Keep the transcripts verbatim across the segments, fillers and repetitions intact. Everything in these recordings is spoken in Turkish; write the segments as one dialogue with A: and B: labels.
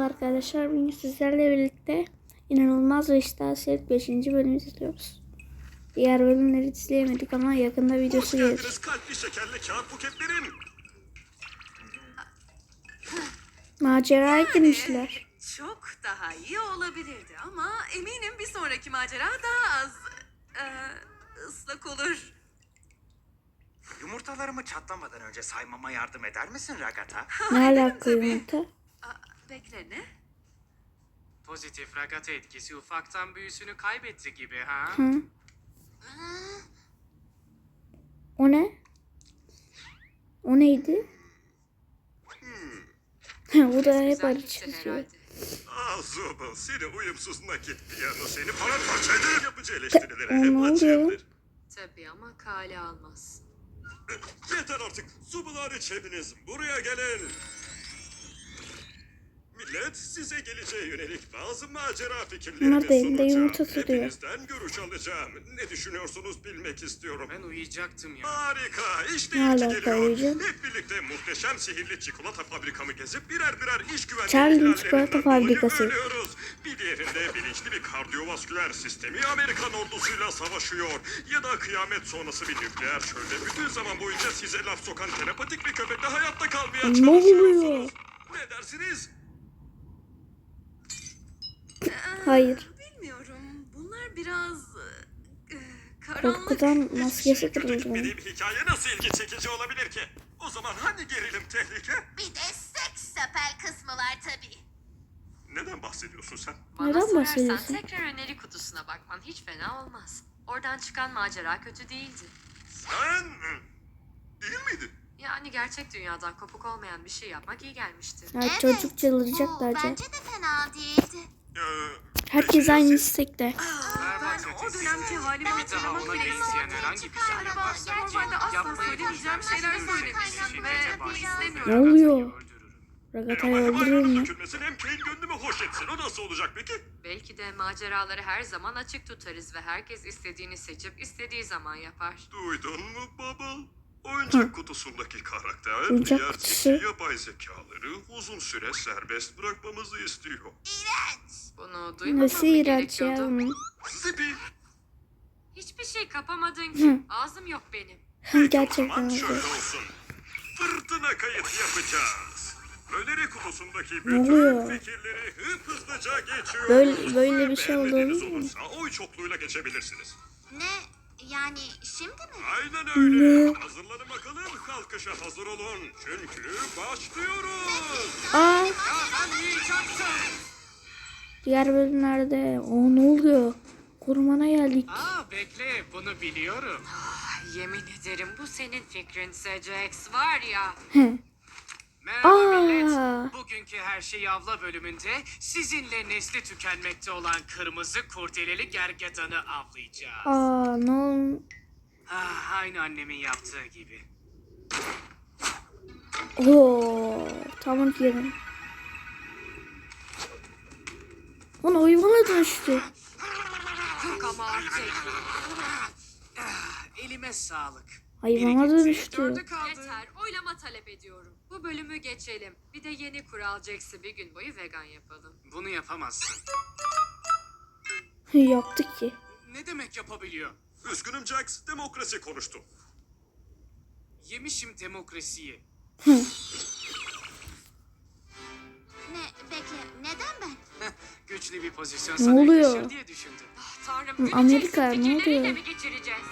A: arkadaşlar. Bugün sizlerle birlikte inanılmaz ve iştahsız beşinci bölümü izliyoruz. Diğer bölümleri izleyemedik ama yakında videosu gelir. Hoş geldiniz
B: kalpli şekerli kağıt buketlerim.
A: Maceraya girmişler.
C: Çok daha iyi olabilirdi ama eminim bir sonraki macera daha az e, ıslak olur.
D: Yumurtalarımı çatlamadan önce saymama yardım eder misin Ragata?
A: Ne alaka yumurta?
C: Aa, bekle ne?
E: Pozitif Ragata etkisi ufaktan büyüsünü kaybetti gibi ha?
A: Hı. O ne? O neydi? Bu da hep arı çiziyor.
B: Ah Zobal, seni uyumsuz nakit piyano seni paramparça ederim, yapıcı eleştirilere hep
A: oluyor?
B: açığımdır.
C: Tabii ama kale almaz.
B: Yeter artık, Zobal hariç hepiniz buraya gelin. Millet size geleceğe yönelik bazı macera fikirlerimi
A: Bunlar da elinde
B: sunacağım.
A: yumurta tutuyor.
B: Hepinizden görüş alacağım. Ne düşünüyorsunuz bilmek istiyorum.
E: Ben uyuyacaktım ya.
B: Harika, işte
A: Ne
B: ilki
A: alaka
B: geliyor.
A: hocam?
B: Hep birlikte muhteşem sihirli çikolata fabrikamı gezip birer birer iş güvenliği
A: Charlie
B: ihlallerinden
A: çikolata
B: dolayı
A: fabrikası.
B: ölüyoruz. Bir diğerinde bilinçli bir kardiyovasküler sistemi Amerikan ordusuyla savaşıyor. Ya da kıyamet sonrası bir nükleer çölde bütün zaman boyunca size laf sokan telepatik bir köpekle hayatta kalmaya
A: Ne
B: çalışıyorsunuz.
A: oluyor?
B: Ne dersiniz?
A: Hayır.
C: Bilmiyorum. Bunlar biraz e, karanlık.
A: Korkudan
B: Hiçbir
A: maskesi
B: şey kötü
A: kırıldı.
B: gitmediği bir hikaye nasıl ilgi çekici olabilir ki? O zaman hani gerilim tehlike?
F: Bir de seks sapel kısmı var tabii.
B: Neden bahsediyorsun sen?
C: Bana
A: Neden
C: sorarsan
A: bahsediyorsun?
C: tekrar öneri kutusuna bakman hiç fena olmaz. Oradan çıkan macera kötü değildi.
B: Sen değil miydin?
C: Yani gerçek dünyadan kopuk olmayan bir şey yapmak iyi gelmişti.
A: Ya çocuk çıldıracak
F: bu
A: bence.
F: bence de fena değildi.
B: Ee,
A: Herkes
B: peki ya
A: aynı
B: siz?
A: istekte.
E: Berbat
C: Ben o
E: ötesi.
C: dönemki halimi
E: Bir daha
C: hatırlamak
E: ona
C: bile
E: benzeyen
C: istemiyorum.
E: herhangi bir şey
F: Galiba
E: yaparsan
F: normalde asla
E: yapmayı
C: söyleyemeyeceğim
E: düşünmezsen
C: şeyler
E: yüksek
C: söylemişim
E: bir
C: ve
E: şiddete
C: bunu
E: başlar.
C: istemiyorum.
A: Ne oluyor?
E: Öldürürüm.
A: Ragata'yı
B: Ama hem
A: öldürür
B: ayranın
A: mü?
B: dökülmesine hem Kane gönlümü hoş etsin. O nasıl olacak peki?
C: Belki de maceraları her zaman açık tutarız ve herkes istediğini seçip istediği zaman yapar.
B: Duydun mu Bubble? Oyuncak kutusundaki karakter
A: Oyuncak
B: diğer
A: kutusu.
B: zeki yapay zekaları uzun süre serbest bırakmamızı istiyor.
C: Bunu duymamam
A: Nasıl
C: mı
A: iğrenç ya
C: gerekiyordu?
A: onun?
B: Zipi.
C: Hiçbir şey kapamadın ki. Ağzım yok benim.
B: Peki o
A: Gerçekten
B: zaman
A: öyle.
B: şöyle olsun. Fırtına kayıt yapacağız. Öneri kutusundaki
A: Ne
B: bütün
A: oluyor?
B: fikirleri hıp hızlıca geçiyoruz.
A: Böyle- böyle
B: Ve
A: bir şey
B: beğenmediğiniz
A: olur mu?
B: olursa oy çokluğuyla geçebilirsiniz.
F: Ne? Yani şimdi mi?
B: Aynen öyle.
A: Ne?
B: Hazırlanın bakalım. Kalkışa hazır olun. Çünkü başlıyoruz.
A: Aa,
E: Ya ben uyuyacaktım.
A: diğer bölümlerde o ne oluyor? Korumana geldik.
E: Aa bekle bunu biliyorum.
C: Ah, yemin ederim bu senin fikrinse Jax var ya.
A: He.
E: Merhaba
A: Aa.
E: millet. Bugünkü Her Şey Avla bölümünde sizinle nesli tükenmekte olan kırmızı kurdeleli gergedanı avlayacağız.
A: Aa, ne oldu?
E: Ah, aynı annemin yaptığı gibi.
A: Oo, tamam yerim. Onu hayvana dönüştü.
C: Yok ama artık.
E: Elime sağlık.
A: Hayvana
E: Biri gitti,
A: dönüştü.
E: dördü kaldı.
C: Yeter. Oylama talep ediyorum. Bu bölümü geçelim. Bir de yeni kural Jax'i bir gün boyu vegan yapalım.
E: Bunu yapamazsın.
A: Yaptık ki.
E: Ne demek yapabiliyor?
B: Üzgünüm Jax. Demokrasi konuştu.
E: Yemişim demokrasiyi.
F: Ne? Bekle. Neden ben?
E: Güçlü bir pozisyon
A: Ne
E: sana
A: oluyor?
E: yakışır diye düşündüm.
C: Ah, Tanrım,
A: Hı,
C: günü
A: Amerika,
C: Jax'in
A: ne
C: fikirleriyle
A: oluyor?
C: mi geçireceğiz?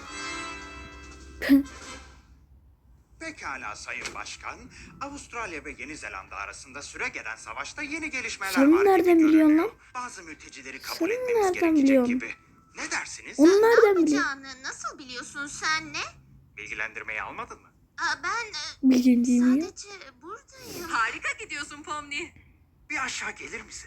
D: Pekala Sayın Başkan. Avustralya ve Yeni Zelanda arasında süregelen savaşta yeni gelişmeler
A: Sen
D: var
A: nereden
D: gibi
A: biliyorsun
D: görünüyor.
A: lan?
D: Bazı mültecileri kabul
A: Sen
D: etmemiz
A: nereden
D: gerekecek
A: biliyorsun?
D: gibi. Ne dersiniz?
A: Onu
F: Ne
A: nereden biliyor?
F: yapacağını nasıl biliyorsun sen ne?
D: Bilgilendirmeyi almadın mı?
F: Aa, ben e,
A: Bildiğin değil mi?
F: sadece buradayım.
C: Harika gidiyorsun Pomni.
D: Bir aşağı gelir misin?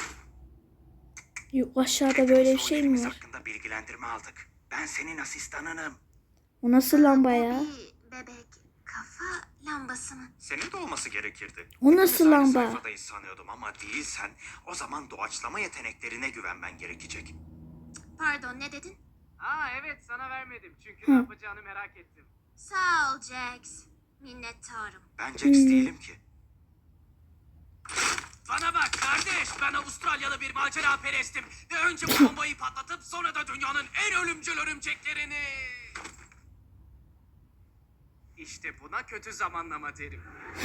A: Yok, aşağıda böyle bir şey mi
D: Rollerimiz
A: var?
D: hakkında bilgilendirme aldık. Ben senin asistanınım.
A: O nasıl lamba
F: Bu
A: ya?
F: bir bebek kafa lambası mı?
D: Senin de olması gerekirdi.
A: O nasıl
D: Hepimiz aynı
A: lamba?
D: sayfadayız sanıyordum ama değilsen o zaman doğaçlama yeteneklerine güvenmen gerekecek.
F: Pardon, ne dedin?
E: Aa evet sana vermedim çünkü
A: Hı.
E: ne yapacağını merak ettim.
F: Sağ ol Jax. Minnettarım.
D: Ben Jax
A: Hmm.
D: değilim ki.
E: Bana bak. Ben Avustralyalı bir macera perestim. Ve önce bu bombayı patlatıp sonra da dünyanın en ölümcül örümceklerini... İşte buna kötü zamanlama derim.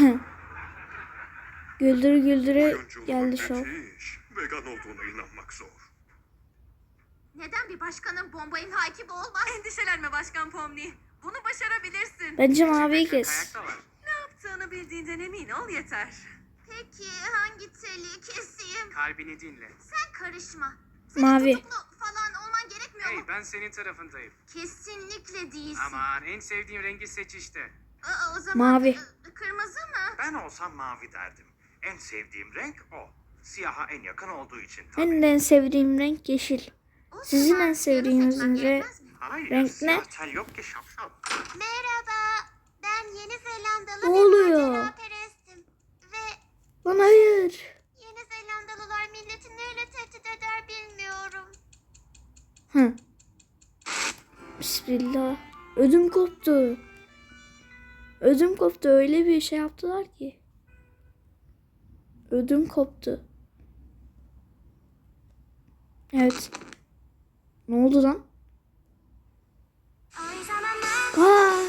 A: Güldürü güldürü
B: Oyunculuğun
A: geldi şov.
B: müthiş. Vegan olduğuna inanmak zor.
F: Neden bir başkanın bomba imha ekibi olmaz?
C: Endişelenme Başkan Pomni. Bunu başarabilirsin.
A: Bence maviyi
E: Kayak
A: kes.
E: da var.
C: Ne yaptığını bildiğinden emin ol yeter.
F: Peki hangi teli keseyim?
E: Kalbini dinle.
F: Sen karışma. Senin
A: Mavi.
F: tutuklu falan olman gerekmiyor
E: Hey,
F: mu?
E: ben senin tarafındayım.
F: Kesinlikle değilsin.
E: Aman en sevdiğim rengi seç işte.
F: Aa, o zaman
A: Mavi.
F: e, kırmızı mı?
D: Ben olsam mavi derdim. En sevdiğim renk o. Siyaha en yakın olduğu için tabii.
A: Benim de en sevdiğim renk yeşil.
F: O
A: Sizin
F: zaman
A: en sevdiğiniz
F: siyahı seçmem
A: renk-
F: gerekmez mi?
D: Hayır,
A: renk ne?
D: siyah tel yok ki şapşal.
F: Merhaba. Ben Yeni Zelandalı
A: Ne
F: bir
A: oluyor?
F: maceraperestim. Ve
A: Lan hayır.
F: Yeni Zelandalılar milleti neyle tehdit eder bilmiyorum.
A: Hı. Bismillah. Ödüm koptu. Ödüm koptu. Öyle bir şey yaptılar ki. Ödüm koptu. Evet. Ne oldu lan?
F: Ay zamanlar
A: Aa!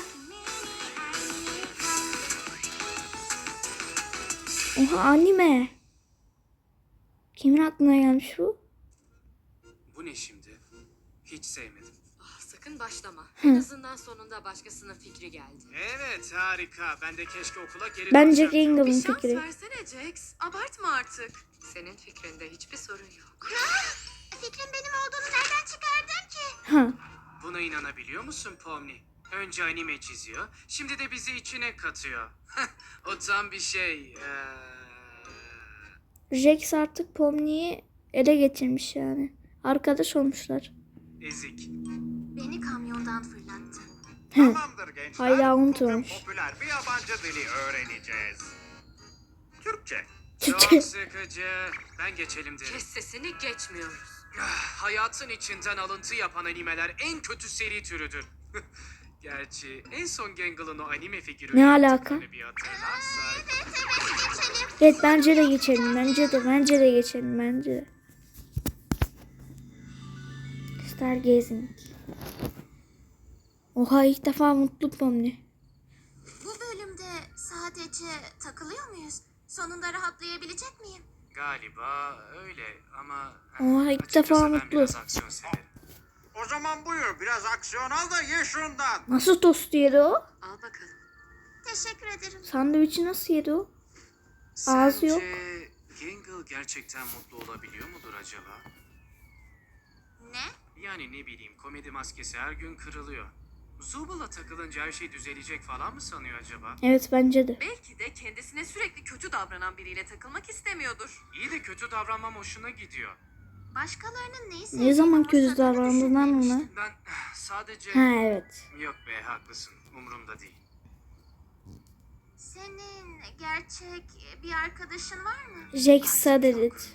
A: Oha anime. Kimin aklına gelmiş bu?
E: Bu ne şimdi? Hiç sevmedim.
G: Ah, sakın başlama. En azından sonunda başkasının fikri geldi.
E: Evet harika. Ben de keşke okula geri
A: Bence
E: dönsem.
A: Gangel'ın
C: Bir şans
A: fikri.
C: versene Jax. Abartma artık.
G: Senin fikrinde hiçbir sorun yok.
F: fikrin benim olduğunu nereden çıkardın ki?
A: Ha.
E: Buna inanabiliyor musun Pomni? Önce anime çiziyor, şimdi de bizi içine katıyor. O tam bir şey. Ee...
A: Jax artık Pomni'yi ele geçirmiş yani. Arkadaş olmuşlar.
E: Ezik.
F: Beni kamyondan fırlattı.
D: Tamamdır gençler.
A: Hala
D: Bugün
A: unutmamış.
D: popüler bir yabancı dili öğreneceğiz. Türkçe.
E: Çok sıkıcı. Ben geçelim derim.
G: Kes sesini geçmiyoruz.
E: Ah, Hayatın içinden alıntı yapan animeler en kötü seri türüdür. Gerçi en son Gangel'ın o anime figürü
A: Ne alaka?
E: yaptıklarını bir hatırlarsak.
A: Evet bence de geçelim. Bence de bence de geçelim. Bence de. Stargazing. Oha ilk defa mutlu Pomni.
F: Bu bölümde sadece takılıyor muyuz? Sonunda rahatlayabilecek miyim?
E: Galiba öyle ama
A: Oha, ilk
E: açıkçası
A: defa
E: ben
A: mutlu.
E: biraz aksiyon severim.
D: O zaman buyur biraz aksiyon al da ye şundan.
A: Nasıl tost yedi o?
G: Al bakalım.
F: Teşekkür ederim.
A: Sandviçi nasıl yedi o? Ağzı yok.
E: Sence Gangle gerçekten mutlu olabiliyor mudur acaba?
F: Ne?
E: Yani ne bileyim komedi maskesi her gün kırılıyor. Zubal'a takılınca her şey düzelecek falan mı sanıyor acaba?
A: Evet bence de.
C: Belki de kendisine sürekli kötü davranan biriyle takılmak istemiyordur.
E: İyi de kötü davranmam hoşuna gidiyor.
F: Başkalarının neyi
A: Ne
F: sevdiğini
A: zaman kötü
F: umursadığını
A: davrandın lan ona?
F: düşünmemiştim.
E: Ben sadece...
A: Ha evet.
E: Yok be haklısın umurumda değil.
F: Senin gerçek bir arkadaşın var mı?
A: Jax Saderit.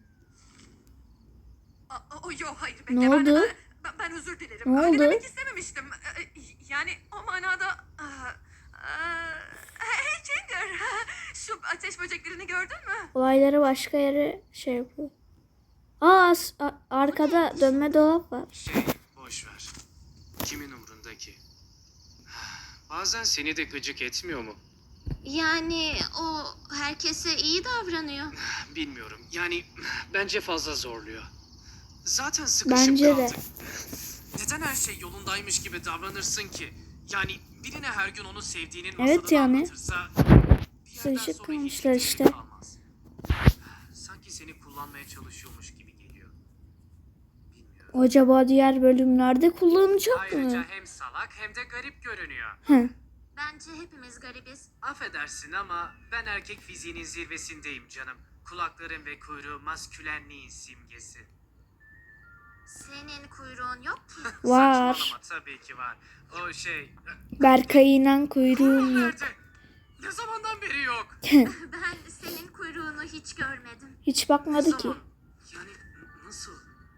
C: Aa, o yo hayır
A: Ne
C: bekle ben,
A: oldu?
C: ben, ben özür dilerim.
A: Ne
C: Öyle
A: oldu?
C: demek istememiştim. Ee, Yani o manada... Aa, aa, Hey Jinger, şu ateş böceklerini gördün mü?
A: Olayları başka yere şey yapıyor. Aa as- a- arkada dönme dolap var.
E: Şey boş ver. Kimin umrunda ki? Bazen seni de gıcık etmiyor mu?
F: Yani o herkese iyi davranıyor.
E: Bilmiyorum. Yani bence fazla zorluyor. Zaten sıkışıp
A: Bence de.
E: kaldık. Neden her şey yolundaymış gibi davranırsın ki? Yani birine her gün onu sevdiğinin
A: Evet
E: masalını
A: yani.
E: anlatırsa... bir yerden
A: Sıkışıp
E: sonra hiç
A: kalmışlar
E: keyif
A: işte.
E: kalmaz. Sanki seni kullanmaya çalışıyormuş gibi geliyor. Bilmiyorum.
A: Acaba diğer bölümlerde kullanacak
E: Ayrıca
A: mı?
E: hem salak hem de garip görünüyor.
A: Hı.
F: Bence hepimiz garibiz.
E: Affedersin ama ben erkek fiziğinin zirvesindeyim canım. Kulaklarım ve kuyruğu maskülenliğin simgesi.
F: Senin kuyruğun yok ki.
A: Var.
E: Saçmalama tabii ki var. O şey...
A: Berkay'ın kuyruğum yok.
E: Nerede? Ne zamandan beri yok?
F: Ben senin kuyruğunu hiç görmedim.
A: Hiç
E: Ne
A: bakmadı ki.
E: zaman? Yani n- nasıl?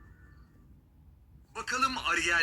E: Bakalım Ariel.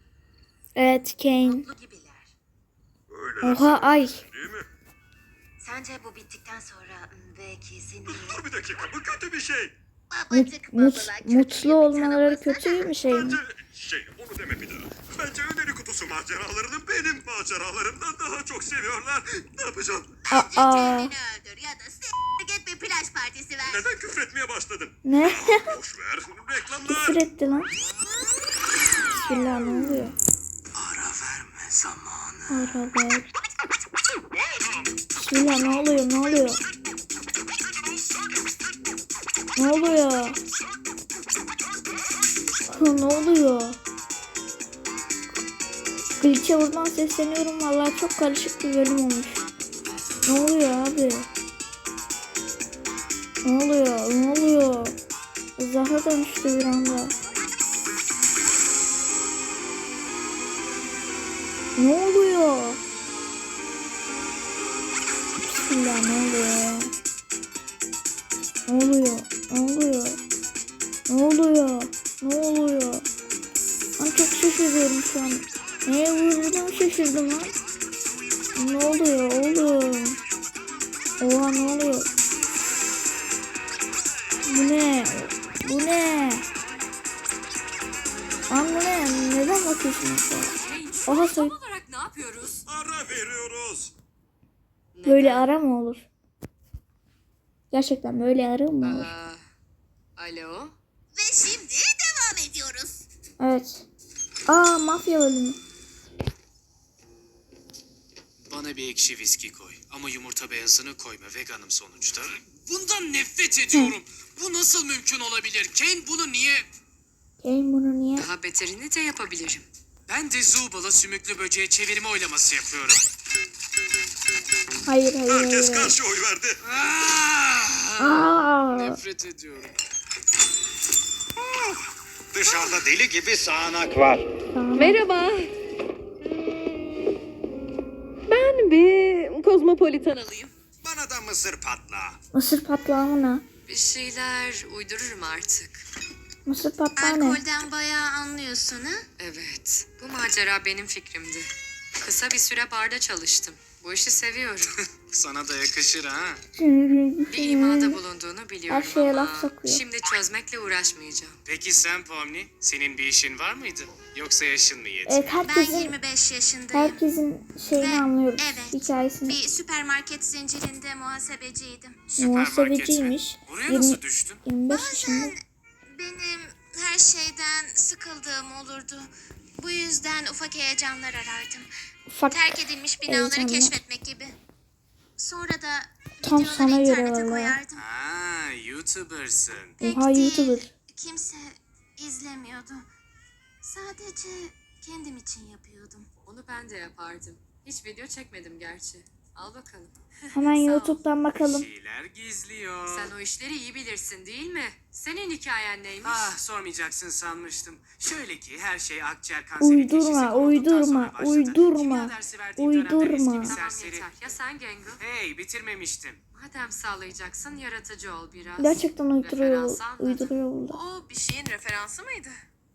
A: Evet Kane.
G: Mutlu gibiler.
B: Öyle
A: Oha ay.
B: değil mi?
F: Sen
G: Sence bu bittikten sonra m, belki seni...
B: Dur bir dakika, bu kötü bir şey.
F: Babacık
A: Mut,
F: babalar kötü
A: mutlu
F: gibi
A: olmaları
F: tanımlasana.
A: kötü bir şey mi?
B: Bence şey, onu deme bir daha. Bence öneri kutusu maceralarını benim maceralarımdan daha çok seviyorlar. Ne yapacağım?
A: Aa,
F: Kendini öldür ya da s**t git bir plaj partisi ver.
B: Neden küfretmeye başladın?
A: ne?
B: Boş ver, reklamlar.
A: Küfür etti lan. Bismillah, ne oluyor?
D: Ara verme zamanı.
A: Ara ver. Bismillah, ne oluyor, ne oluyor? Ne oluyor? Ne oluyor? Glitch'e buradan sesleniyorum. Vallahi çok karışık bir bölüm olmuş. Ne oluyor abi? Ne oluyor? Ne oluyor? Zahra dönüştü bir anda. Ne oluyor? Bismillah, ne oluyor? Ne oluyor? Ne oluyor? Ne oluyor? Ne oluyor? Ben çok şaşırıyorum şu an. Neye vurduğumu şaşırdım lan. Ne oluyor oğlum? Oha, ne oluyor? Bu ne? Bu ne? Lan bu ne? Neden bakıyorsunuz şu an?
G: Hey, şu
A: Oha,
G: an
A: soy-
G: tam olarak ne yapıyoruz?
B: Ara veriyoruz.
A: Böyle ara mı olur? Gerçekten böyle ara mı olur?
G: Aa, alo?
F: Ve şimdi devam ediyoruz.
A: Evet. Aa, mafya bölümü.
E: Bana bir ekşi viski koy. Ama yumurta beyazını koyma. Veganım sonuçta. Bundan nefret ediyorum. Bu nasıl mümkün olabilir? Kane bunu niye...
A: Kane bunu niye?
G: Daha beterini de yapabilirim.
E: Ben de Zubal'a sümüklü böceğe çevirme oylaması yapıyorum.
A: Hayır, hayır, hayır.
B: Herkes
A: hayır.
B: karşı oy verdi.
E: Ah!
A: Aa,
E: Nefret ediyorum.
D: Dışarıda deli gibi sağanak var.
H: Merhaba. Ben bir kozmopolitan alayım.
D: Bana da mısır patla.
A: mısır patlağı mı ne?
G: Bir şeyler uydururum artık.
A: Mısır patlağı ne?
F: Alkolden bayağı anlıyorsun ha?
G: Evet, bu macera benim fikrimdi. Kısa bir süre barda çalıştım. Bu işi seviyorum.
E: Sana da yakışır ha.
G: Bir imada bulunduğunu biliyorum
A: Her şeye
G: ama
A: laf sokuyor.
G: şimdi çözmekle uğraşmayacağım.
E: Peki sen Pomni, senin bir işin var mıydı? Yoksa yaşın mı yetmiyor?
A: Evet,
F: Ben
A: herkesin
F: yirmi beş yaşındayım.
A: herkesin şeyini
F: Ve-
A: anlıyoruz.
F: evet.
A: Hikayesini.
F: Bir süpermarket zincirinde muhasebeciydim.
A: Muhasebeciymiş.
E: Buraya
A: yirmi,
E: nasıl düştün?
A: yirmi beş yaşında.
F: Benim her şeyden sıkıldığım olurdu. Bu yüzden ufak heyecanlar arardım.
A: Ufak.
F: Terk edilmiş binaları
A: heyecanlar.
F: keşfetmek gibi. Sonra da
A: Tam
F: videoları
A: sana göre
F: internete
A: vallahi.
F: koyardım.
E: Aa, YouTuber'sın.
F: Pek
A: Oha,
F: değil.
A: YouTuber.
F: Kimse izlemiyordu. Sadece kendim için yapıyordum.
G: Onu ben de yapardım. Hiç video çekmedim gerçi. Al bakalım.
A: Hemen
G: Sağ ol.
A: YouTube'dan
E: Bir
A: bakalım.
E: şeyler gizliyor.
G: Sen o işleri iyi bilirsin değil mi? Senin hikayen neymiş?
E: Ah, sormayacaksın sanmıştım. Şöyle ki her şey akciğer kanseri
A: Uydurma,
E: teşhisi konulduktan
A: uydurma,
E: sonra başladı.
A: uydurma,
E: Kimya dersi verdiğim dönemde
A: uydurma.
E: eski bir
G: Tamam
E: serseri.
G: yeter. Ya sen Gengu?
E: Hey, bitirmemiştim.
G: Madem sağlayacaksın yaratıcı ol biraz.
A: Gerçekten uyduruyor,
G: Referans anladım.
A: uyduruyor burada.
C: O bir şeyin referansı mıydı?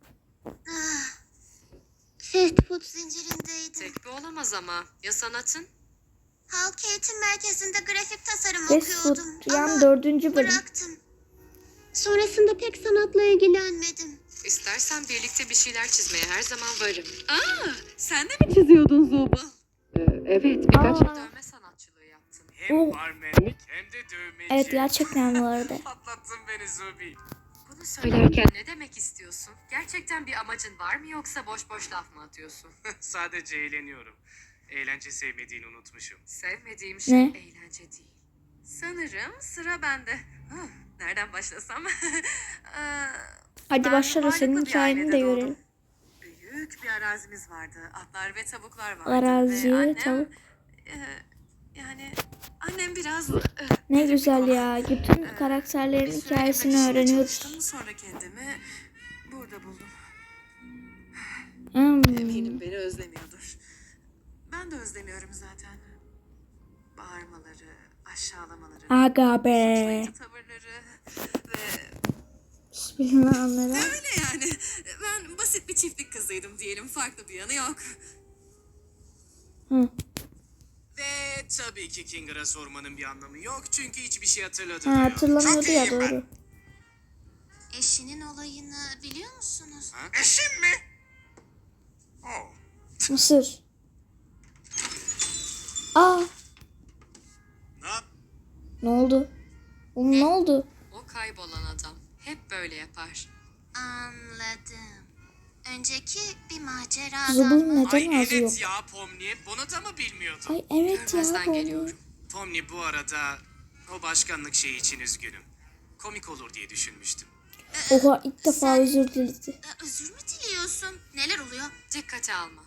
F: Fast food zincirindeydim.
G: Tek bir olamaz ama. Ya sanatın?
F: Halk eğitim merkezinde grafik tasarım
A: Fast Food
F: okuyordum.
A: yan
F: Ama
A: dördüncü bölüm.
F: bıraktım. Sonrasında pek sanatla ilgilenmedim.
G: İstersen birlikte bir şeyler çizmeye her zaman varım.
C: Aa, sen de mi?
H: Çiziyordun Zuba.
G: Evet birkaç
A: Aa.
G: dövme sanatçılığı yaptım.
E: Hem
A: Oh.
E: barmenlik hem de dövmeci.
A: Evet, gerçekten bu arada.
E: Patlattın beni Zubi.
G: Bunu söylerken ne demek istiyorsun? Gerçekten bir amacın var mı yoksa boş boş laf mı atıyorsun?
E: Sadece eğleniyorum. Eğlence sevmediğini unutmuşum.
G: Sevmediğim şey
A: Ne?
G: eğlence değil.
C: Sanırım sıra bende. Huh, nereden başlasam? Ee,
A: Hadi
C: ben
A: başla da
C: varlıklı
A: senin
C: bir
A: hikayeni
C: ailede
A: de
C: doğdum.
A: görelim.
C: Büyük bir arazimiz vardı. Atlar ve tavuklar vardı.
A: Arazi,
C: ve annem,
A: tavuk.
C: e, yani annem biraz... e,
A: Ne
C: garip bir
A: güzel
C: konu.
A: ya. Bütün
C: Ee,
A: karakterlerin
C: bir süre
A: hikayesini
C: yemek işinde
A: öğreniyoruz.
C: çalıştım. Sonra kendimi burada buldum.
A: Hmm.
C: Eminim beni özlemiyordur. Ben de özlemiyorum zaten. Bağırmaları, aşağılamaları,
A: Aga be.
C: suçlayıcı tavırları ve
A: Bismillah anladım.
C: öyle yani. Ben basit bir çiftlik kızıydım diyelim. Farklı bir yanı yok.
A: Hı.
E: Ve tabii ki Kinger'a sormanın bir anlamı yok çünkü hiçbir şey
A: Ha,
E: hatırlamıyor.
A: hatırlamıyordu
D: Çok
A: ya
D: iyiyim ben.
A: doğru.
F: Eşinin olayını biliyor musunuz?
D: Eşim mi? Oh.
A: Mısır. Aa,
E: Ne yap?
A: ne oldu? Oğlum ne oldu?
G: O kaybolan adam hep böyle yapar.
F: Anladım. Önceki bir maceradan
A: Zubul
F: mı?
A: neden
E: Ay
A: ağzı yok?
E: evet ya Pomni, bunu da mı bilmiyordun?
A: Ay evet ya.
G: Görmezden
A: bu-
G: geliyorum.
E: Pomni bu arada o başkanlık şeyi için üzgünüm. Komik olur diye düşünmüştüm.
A: Oha ilk defa özür diledi.
F: Ee, Özür mü diliyorsun? Neler oluyor?
G: Dikkate alma.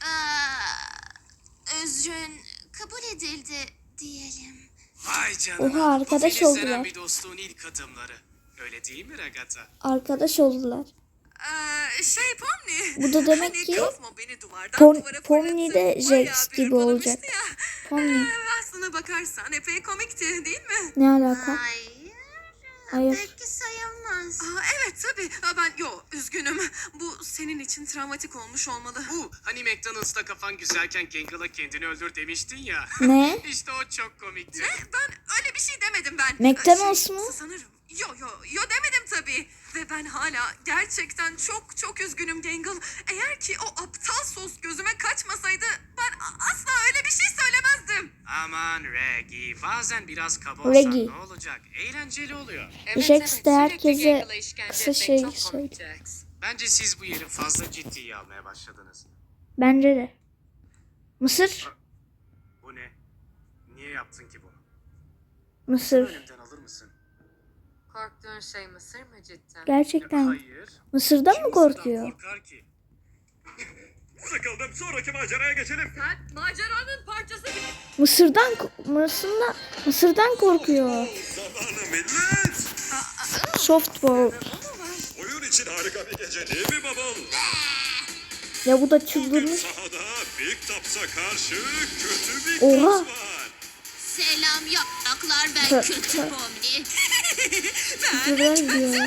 F: Aa, özrün kabul edildi diyelim.
E: Vay canına.
A: Oha, arkadaş
E: bu filizlenen
A: oldular.
E: bir dostluğun ilk adımları. Öyle değil mi Ragata?
A: Arkadaş oldular.
C: Ee, şey Pomni.
A: Bu da demek
C: hani
A: ki
C: Cosmo beni duvardan
A: Pom-
C: duvara
A: Pomni de
C: fırlatıp bayağı
A: Jax
C: bir
A: gibi
C: hırpalamıştı
A: olacak.
C: ya.
A: Pomni.
C: Ee, aslına bakarsan epey komikti değil mi?
A: Ne alaka?
F: Hayır.
A: Hayır.
F: Peki sayılmaz.
C: Aa, evet tabii. Aa, ben yo üzgünüm. Bu senin için travmatik olmuş olmalı.
E: Bu hani McDonald's'ta kafan güzelken Kinger'la kendini öldür demiştin ya.
A: Ne?
E: İşte o çok komikti.
C: Ben öyle bir şey demedim ben.
A: McDonald's
C: Şey,
A: mı?
C: Sanırım. Yo yo yo demedim tabii. Ve ben hala gerçekten çok çok üzgünüm Gangle. Eğer ki o aptal sos gözüme kaçmasaydı ben a- asla öyle bir şey söylemezdim.
E: Aman Reggie, bazen biraz kaba
A: Reggie.
E: olsan ne olacak? Eğlenceli oluyor.
G: Evet,
A: Jax
G: evet,
A: de
G: sürekli
A: herkese
G: Gangle'a işkence
A: kısa
G: etmek
A: şey
G: çok komik
A: söyledi.
G: Jax.
E: Bence siz bu yeri fazla ciddiye almaya başladınız.
A: Bence de. Mısır.
E: Bu ne? Niye yaptın ki bunu?
A: Mısır.
E: Önümden alır mısın?
G: Korktuğun şey Mısır mı cidden?
A: Gerçekten.
E: Hayır.
A: Mısır'dan
E: Kim
A: mı
E: Mısır'dan
A: korkuyor?
E: korkar ki?
B: Sıkıldım, sonraki maceraya geçelim.
C: Sen maceranın parçası gibi.
A: Mısır'dan ko- Mısır'dan Mısır'dan korkuyor.
B: Zamanı millet.
A: Softball.
B: Oyun için harika bir gece değil mi babam?
A: Ya bu da
B: Bugün
A: çıldırmış.
B: sahada Big Tops'a karşı kötü Big
A: Oha.
B: Tops var.
F: Selam yapraklar, ben
A: Tö-
F: kötü
A: tö-
F: Pomni.
A: Güzel diyor.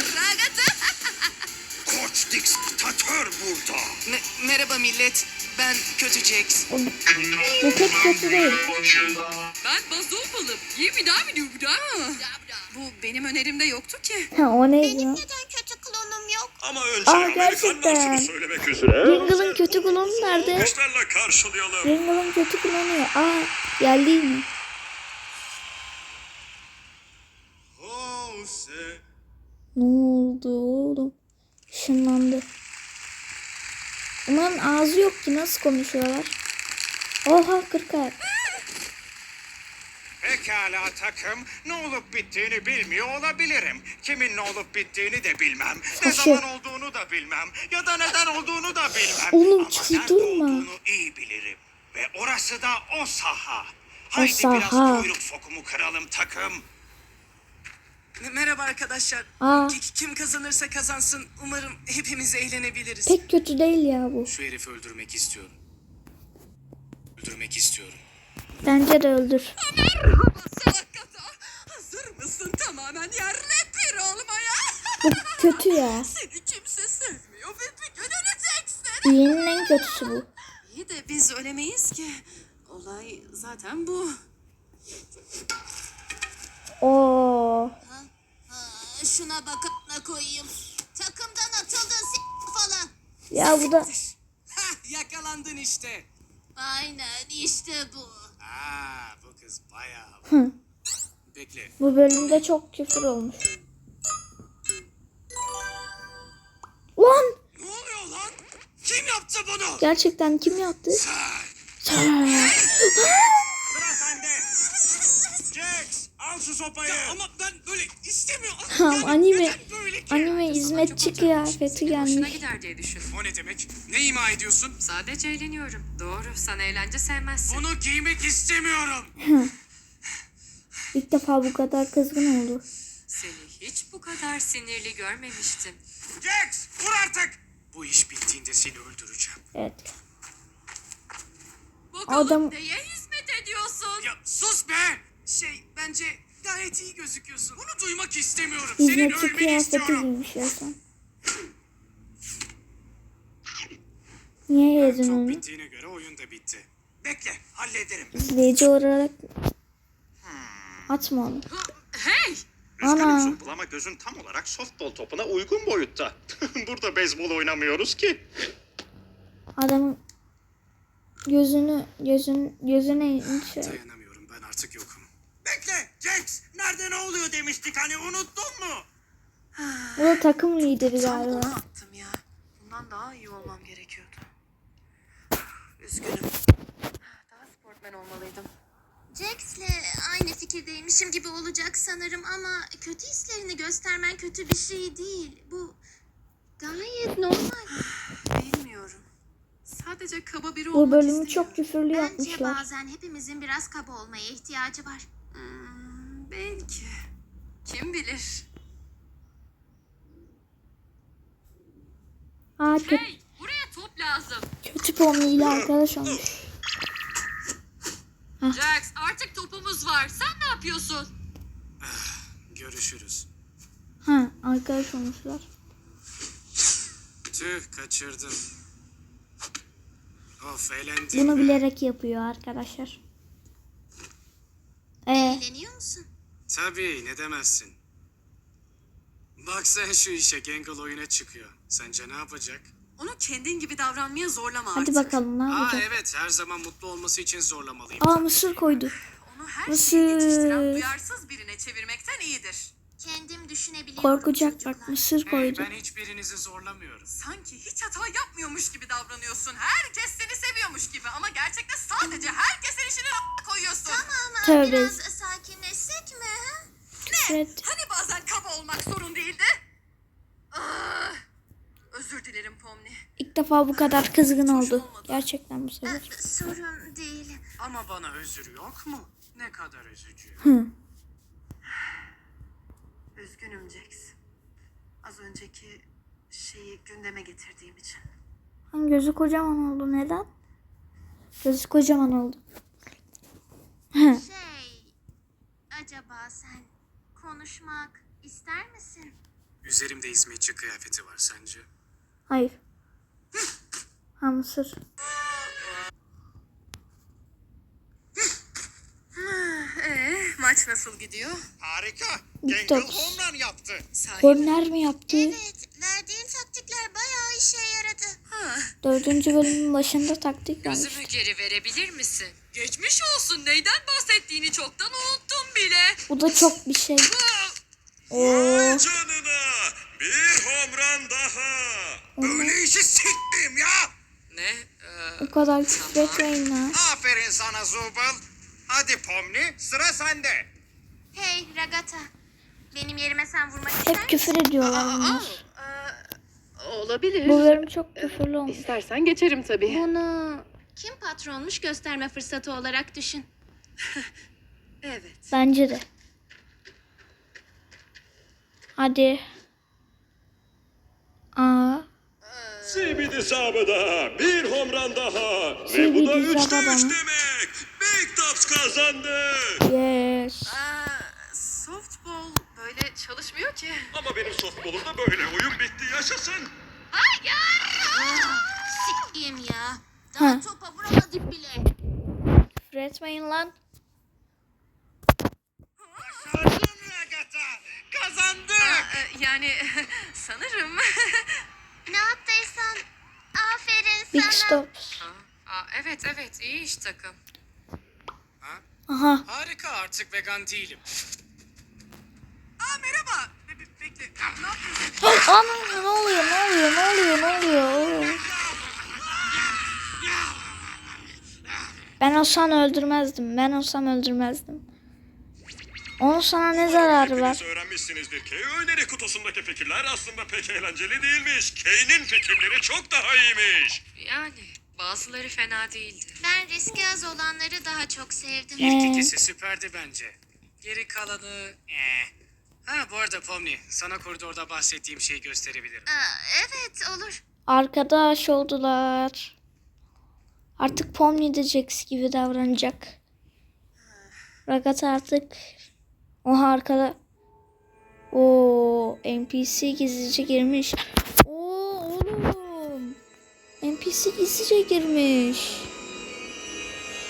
D: Koç diktatör burada.
E: merhaba millet. Ben Kötü Jax.
A: O- Bu pek kötü değil.
C: Ben bazookalım. Yemi daha mı diyor bu da? Bu benim önerimde yoktu ki.
A: Ha o neydi ya?
F: Neden kötü klonum yok?
B: Ama önce
A: Aa,
B: Amerikanlar
A: gerçekten.
B: şunu söylemek üzere.
A: Jingle'ın kötü klonu nerede?
B: Alkışlarla karşılayalım.
A: Jingle'ın kötü klonu ya. Aa geldi mi?
B: Jose.
A: Ne oldu oğlum? Işınlandı. Ulan ağzı yok ki nasıl konuşuyorlar? Oha kırk ayak.
D: Pekala takım. Ne olup bittiğini bilmiyor olabilirim. Kimin ne olup bittiğini de bilmem. Ne
A: Taşı.
D: zaman olduğunu da bilmem. Ya da neden olduğunu da bilmem.
A: Oğlum,
D: Ama
A: çıldırma.
D: nerede olduğunu iyi bilirim. Ve orası da o saha. Haydi
A: saha.
D: biraz kuyruk sokumu kıralım takım.
E: Merhaba arkadaşlar.
A: Aa.
E: Ki- Kim kazanırsa kazansın. Umarım hepimiz eğlenebiliriz.
A: Pek kötü değil ya bu.
E: Şu herifi öldürmek istiyorum. Öldürmek istiyorum.
A: Bence de öldür.
C: Salak kata. Hazır mısın tamamen yerle bir olmaya?
A: Bu kötü ya.
C: Seni kimse sevmiyor ve bir gün öleceksin.
A: İyinin en kötüsü bu.
C: İyi de biz ölemeyiz ki. Olay zaten bu.
A: Oo.
F: Aa, şuna bakana koyayım. Takımdan atıldın s- falan.
A: Ya bu da
E: Hah, yakalandın işte.
F: Aynen işte bu.
E: Aa, bu kız bayağı.
A: Hı.
E: Bekle.
A: bu bölümde çok küfür olmuş. Lan
E: Ne oluyor lan? Kim yaptı bunu?
A: gerçekten kim yaptı?
E: Sen.
A: Sen.
D: Sıra sende. Jax al şu sopayı.
E: Ama ben böyle istemiyorum.
A: Tamam anime
E: Neden böyle ki?
A: anime hizmetçi kıyafeti
G: Senin hoşuna
A: gelmiş.
G: gider diye düşündüm.
E: O ne demek? Ne ima ediyorsun?
G: Sadece eğleniyorum. Doğru, sen eğlence sevmezsin.
E: Bunu giymek istemiyorum.
A: İlk defa bu kadar kızgın oldu.
G: Seni hiç bu kadar sinirli görmemiştim.
D: Jax vur artık.
E: Bu iş bittiğinde seni öldüreceğim.
A: Evet.
C: Bakalım
A: Adam-
C: neye hizmet ediyorsun?
E: Ya sus be! Şey, bence gayet iyi gözüküyorsun. Bunu duymak istemiyorum. Senin
A: Hizmetçi
E: ölmeni
A: kıyafeti
E: istiyorum.
A: giymiş ya sen. Niye yedin
E: Çok
A: onu?
E: bittiğine göre oyun da bitti.
D: Bekle, hallederim.
A: İzleyici olarak atma onu.
C: Hey!
D: Üzgünüm
A: Ana.
D: Zubul ama gözün tam olarak softball topuna uygun boyutta. Burada beyzbol oynamıyoruz ki.
A: Adamın gözünü gözün gözüne şey.
E: Dayanamıyorum, ben artık yokum.
D: Bekle, Jax. Nerede ne oluyor demiştik hani, unuttun mu?
A: Bu da takım lideri
C: Tam onu
A: galiba.
C: attım ya. Bundan daha iyi olmam gerekiyordu. Üzgünüm. Daha sportmen olmalıydım.
F: Jax'le aynı fikirdeymişim gibi olacak sanırım ama kötü hislerini göstermen kötü bir şey değil. Bu gayet normal.
C: Bilmiyorum. Sadece kaba biri
A: Bu
C: olmak
A: bölümü
C: istemiyorum.
A: çok küfürlü
F: Bence
A: yapmışlar.
F: bazen hepimizin biraz kaba olmaya ihtiyacı var.
C: Hmm, belki. Kim bilir?
A: Aa, kötü,
G: Hey, buraya top lazım.
A: kötü Pomni ile arkadaş olmuş.
G: Jax, artık topumuz var. Sen ne yapıyorsun?
E: Görüşürüz.
A: Ha, arkadaş olmuşlar.
E: Tüh, kaçırdım. Of, eğlendim.
A: Bunu bilerek yapıyor arkadaşlar. Ee,
F: Eğleniyor musun?
E: Tabii, ne demezsin. Bak sen şu işe, Gangle oyuna çıkıyor. Sence ne yapacak?
C: Onu kendin gibi davranmaya zorlama
A: hadi
C: artık.
A: bakalım ne
E: Aa
A: yapacak?
E: evet, her zaman mutlu olması için zorlamalıyım.
A: Aa, mısır koydu.
C: Onu her
A: Mısır.
C: şeyi geçiştiren duyarsız birine çevirmekten iyidir.
F: Kendim düşünebiliyorum
A: Korkacak
F: çocuklar.
A: bak, mısır
E: Hey,
A: koydu.
E: ben hiçbirinizi zorlamıyorum.
C: Sanki hiç hata yapmıyormuş gibi davranıyorsun. Herkes seni seviyormuş gibi ama gerçekte sadece herkesin işini a- koyuyorsun.
F: Ama
A: Tövbe.
F: biraz sakinleşsek mi? ha?
A: Evet.
C: Hani bazen kaba olmak sorun değildi? Ah, özür dilerim Pomni.
A: İlk defa bu kadar kızgın oldu. Gerçekten bu sefer.
F: Ah, sorun değil.
E: Ama bana özür yok mu? Ne kadar üzücü.
A: Hı.
C: Üzgünüm Jax. Az önceki şeyi gündeme getirdiğim için.
A: Lan gözü kocaman oldu. Neden? Gözü kocaman oldu. Hı.
F: Şey, acaba sen konuşmak ister misin?
E: Üzerimde hizmetçi kıyafeti var sence?
A: Hayır. Ha, mısır.
C: Ee, maç nasıl gidiyor?
D: Harika.
A: Bitti.
D: Gangle home run yaptı.
C: Sahi.
A: Korner mi yaptı?
F: Evet, verdiğin taktikler bayağı işe yaradı.
C: Ha,
A: Dördüncü bölümün başında taktik vermiş.
G: Gözümü geri verebilir misin? Geçmiş olsun. Neyden bahsettiğini çoktan unuttum bile.
A: Bu da çok bir şey. Oo.
B: Vay canına! Bir home run daha!
D: Böyle işi s**tim ya.
G: Ne? Ee,
A: Bu kadar küfür etmeyin lan.
D: Aferin sana Zubul. Hadi Pomni, sıra sende.
F: Hey Ragata, benim yerime sen vurmak ister
A: Hep
F: misin?
A: küfür ediyorlar bunlar.
H: Olabilir.
A: Bu bölüm çok küfürlü olmuş.
H: İstersen geçerim tabii.
F: Bunu kim patronmuş gösterme fırsatı olarak düşün.
C: evet.
A: Bence de. Hadi. Aa.
B: Zibidi sabıda bir home run daha. Ve bu
A: Zibidi
B: da üçte
A: zabada
B: üç
A: mı?
B: demek. Big Tops kazandı.
A: Yes.
C: Aa, softball böyle çalışmıyor ki.
B: Ama benim softballumda böyle oyun bitti yaşasın.
F: Sikiyim ya. Daha
A: Ha.
F: topa vuramadık bile.
A: Küfür etmeyin lan.
D: Başardın Ragata. Kazandık.
C: Aa, yani sanırım.
F: Ne yaptıysan aferin
A: Big
F: sana.
A: stops.
G: aa, evet evet iyi iş takım.
A: Aha.
E: Harika, artık vegan değilim.
C: Aa merhaba. Be- be- bekle. Ne yapıyorsun?
A: Hey, ana, ne oluyor? Ne oluyor? Ne oluyor? Ne oluyor? Ben olsam öldürmezdim. Ben olsam öldürmezdim. Onun sana ne zararı var?
B: Hepiniz öğrenmişsinizdir ki öneri kutusundaki fikirler aslında pek eğlenceli değilmiş. Kane'in fikirleri çok daha iyiymiş.
G: Yani bazıları fena değildi.
F: Ben riski az olanları daha çok sevdim.
E: İlk
A: Ee.
E: ikisi süperdi bence. Geri kalanı... Eh. Ha bu arada Pomni, sana koridorda bahsettiğim şeyi gösterebilirim.
F: Aa, evet olur.
A: Arkadaş oldular. Artık Pomni de Jax gibi davranacak. Ragata artık oha arkada. O N P C gizlice girmiş. Oo oğlum. N P C gizlice girmiş.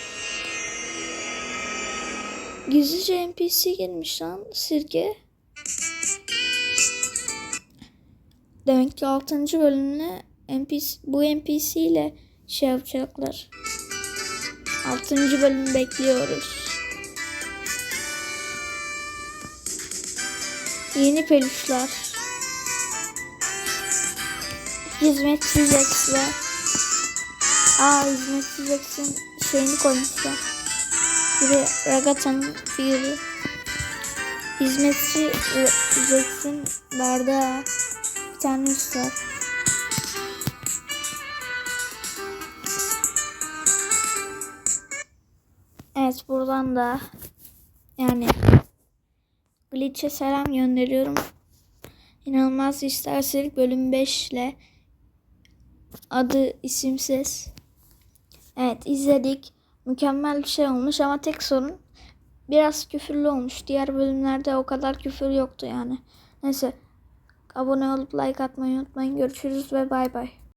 A: Gizlice N P C girmiş lan sirke. Demek ki altıncı bölümle N P C, bu N P C ile şey yapacaklar. altıncı bölümü bekliyoruz. Yeni peluşlar. Hizmetçi Jax ve Aa hizmetçi Jax'in şeyini koymuşlar. Biri Ragata'nın figürü. Hizmetçi Jax'in bardağı. Bir tane üst var. Evet buradan da yani Glitch'e selam gönderiyorum. İnanılmaz istersek bölüm beş ile adı isimsiz. Evet izledik. Mükemmel bir şey olmuş ama tek sorun biraz küfürlü olmuş. Diğer bölümlerde o kadar küfür yoktu yani. Neyse abone olup like atmayı unutmayın. Görüşürüz ve bay bay.